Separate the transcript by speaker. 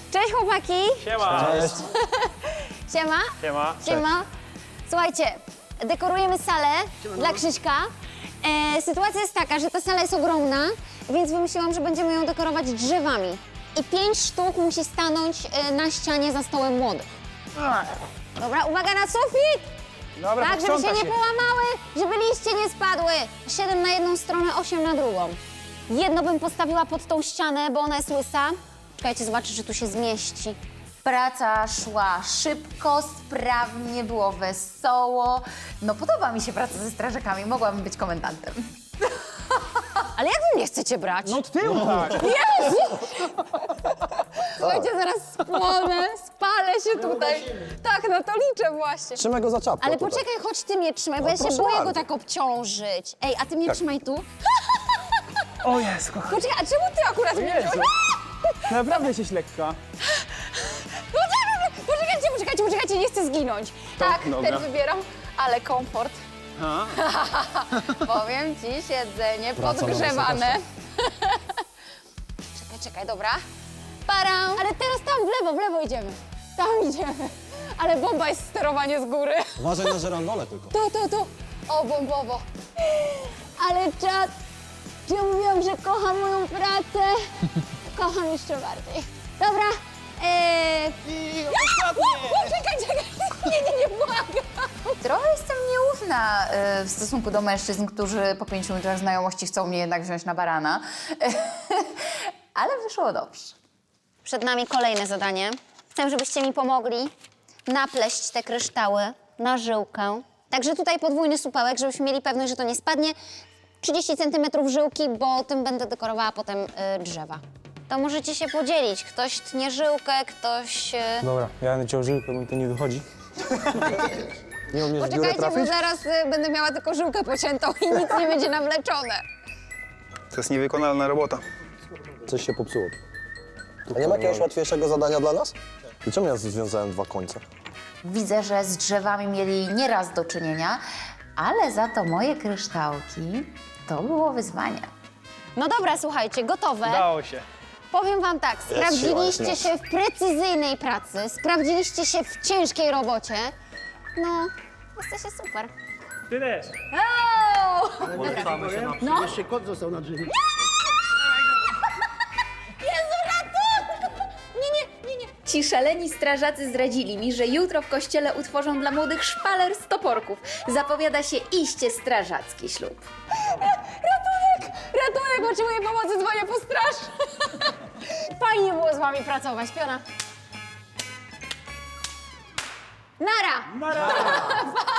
Speaker 1: Cześć chłopaki!
Speaker 2: Siema!
Speaker 3: Cześć.
Speaker 1: Siema!
Speaker 2: Siema!
Speaker 1: Siema! Słuchajcie, dekorujemy salę dla Krzyśka. Sytuacja jest taka, że ta sala jest ogromna, więc wymyśliłam, że będziemy ją dekorować drzewami. I 5 sztuk musi stanąć na ścianie za stołem młodych. Dobra, uwaga na sufit!
Speaker 2: Dobra,
Speaker 1: Tak, żeby się
Speaker 2: posprząta
Speaker 1: nie połamały, żeby liście nie spadły. 7 na jedną stronę, 8 na drugą. Jedno bym postawiła pod tą ścianę, bo ona jest łysa. Czekajcie, zobaczę, czy tu się zmieści.
Speaker 4: Praca szła szybko, sprawnie, było wesoło. No podoba mi się praca ze strażakami, mogłabym być komendantem.
Speaker 1: Ale jak wy mnie chcecie brać?
Speaker 2: No od tyłu tak!
Speaker 1: Jezu! Słuchajcie, zaraz spłonę, spalę się tutaj. Tak, no to liczę właśnie.
Speaker 3: Trzymaj go za czapkę.
Speaker 1: Ale
Speaker 3: tutaj.
Speaker 1: poczekaj, chodź ty mnie trzymaj, bo ja się
Speaker 3: proszę
Speaker 1: boję go
Speaker 3: bardzo.
Speaker 1: tak obciążyć. Ej, a ty mnie trzymaj tu.
Speaker 2: O Jezu, kochani.
Speaker 1: Poczekaj, a czemu ty akurat mnie
Speaker 2: Jezu.
Speaker 1: wziąłeś?
Speaker 2: Naprawdę jesteś lekka.
Speaker 1: Poczekajcie, nie chcę zginąć. Tak,
Speaker 2: dobra.
Speaker 1: ten wybieram, ale komfort.
Speaker 2: A?
Speaker 1: Powiem ci, siedzenie
Speaker 3: Praca na
Speaker 1: podgrzewane. Czekaj, dobra. Param. Ale teraz tam w lewo idziemy. Tam idziemy. Ale bomba jest sterowanie z góry.
Speaker 3: Uważaj na żerandole tylko.
Speaker 1: Tu. O, bombowo. Ale czad. Ja mówiłam, że kocham moją pracę. Kocham jeszcze bardziej. Dobra. Czekaj. Nie, błagam.
Speaker 4: Trochę jestem nieufna w stosunku do mężczyzn, którzy po 5 minutach znajomości chcą mnie jednak wziąć na barana. Ale wyszło dobrze.
Speaker 1: Przed nami kolejne zadanie. Chcę, żebyście mi pomogli napleść te kryształy na żyłkę. Także tutaj podwójny supełek, żebyśmy mieli pewność, że to nie spadnie. 30 cm żyłki, bo tym będę dekorowała potem drzewa. To możecie się podzielić. Ktoś tnie żyłkę, ktoś...
Speaker 5: Dobra, ja będę ciął żyłkę, bo mi to nie wychodzi.
Speaker 3: Nie umiesz w dziurę
Speaker 1: Poczekajcie, bo
Speaker 3: trafić?
Speaker 1: zaraz będę miała tylko żyłkę pociętą i nic nie będzie nawleczone.
Speaker 6: To jest niewykonalna robota.
Speaker 3: Coś się popsuło. A nie ma jakiegoś łatwiejszego zadania dla nas? I czemu ja związałem 2 końce?
Speaker 4: Widzę, że z drzewami mieli nieraz do czynienia, ale za to moje kryształki to było wyzwanie.
Speaker 1: No dobra, słuchajcie, gotowe.
Speaker 2: Udało się.
Speaker 1: Powiem wam tak, sprawdziliście
Speaker 3: jest
Speaker 1: się w precyzyjnej pracy, sprawdziliście się w ciężkiej robocie. No, jesteście super.
Speaker 2: Ty też.
Speaker 1: No.
Speaker 7: Jeszcze kot został na drzewie.
Speaker 1: Jezu, ratunku! Nie.
Speaker 8: Ci szaleni strażacy zdradzili mi, że jutro w kościele utworzą dla młodych szpaler z toporków. Zapowiada się iście strażacki ślub.
Speaker 1: Ratunek, potrzebuję pomocy, dzwonię po straż. Fajnie było z wami pracować, piona. Nara!
Speaker 2: Nara!